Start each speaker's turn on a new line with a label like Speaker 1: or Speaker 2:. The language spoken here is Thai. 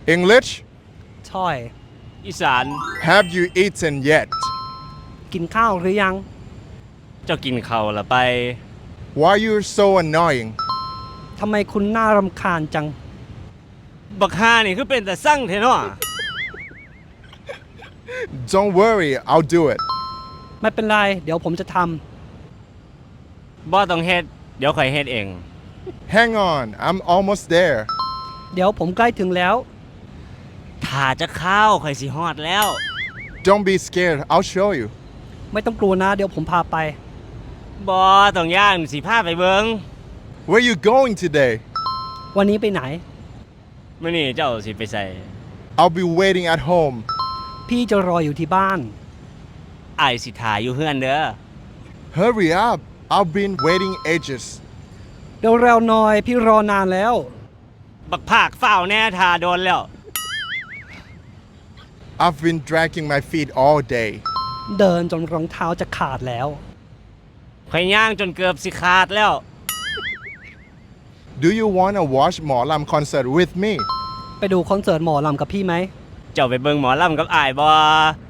Speaker 1: English
Speaker 2: ช่อย
Speaker 3: อีสาน
Speaker 1: Have you eaten yet
Speaker 2: กินข้าวหรือยัง
Speaker 3: เจ้ากินข้าวละไป
Speaker 1: Why you so annoying
Speaker 2: ทำไมคุณน่ารำคาญจัง
Speaker 3: บักฮานี่คือเป็นแต่สั่งเทเนาะ
Speaker 1: Don't worry I'll do it
Speaker 2: ไม่เป็นไร เดี๋ยวผมจะท
Speaker 3: บ่ต้องเฮ็ดเดี๋ยวข่อยเฮ็ดเอง
Speaker 1: Hang on I'm almost there
Speaker 2: ำเดี๋ยวผมใกล้ถึงแล้ว
Speaker 3: ถ้าจะเข้าวข่อยสิฮอดแล้ว
Speaker 1: Don't be scared I'll show you
Speaker 2: ไม่ต้องกลัวนะ เดี๋ยวผมพาไป
Speaker 3: บ่ต้องย่านสิพาไปเบิง
Speaker 1: Where you going today
Speaker 2: วันนี้ไปไหน
Speaker 3: มื้อนี้เจ้าสิไปใส่
Speaker 1: I'll be waiting at home
Speaker 2: พี่จะรออยู่ที่บ้าน
Speaker 3: อ้ายสิท่าอยู่เฮือนเด้อ
Speaker 1: Hurry up I've been waiting ages
Speaker 2: เดี๋ยวเร็วหน่อย พี่รอนานแล้ว
Speaker 3: บักภาคฝ้าวแน่ท่าโดนแล้ว
Speaker 1: I've been dragging my feet all day
Speaker 2: เดินจนรองเท้าจะขาดแล้ว
Speaker 3: ข่อยย่างจนเกือบสิขาดแล้ว
Speaker 1: Do you wanna watch หมอลำ concert with me
Speaker 2: ไปดูคอนเสิร์ตหมอลำกับพี่ไหม
Speaker 3: เจ้าไปเบิงหมอลำกับอ้ายบ่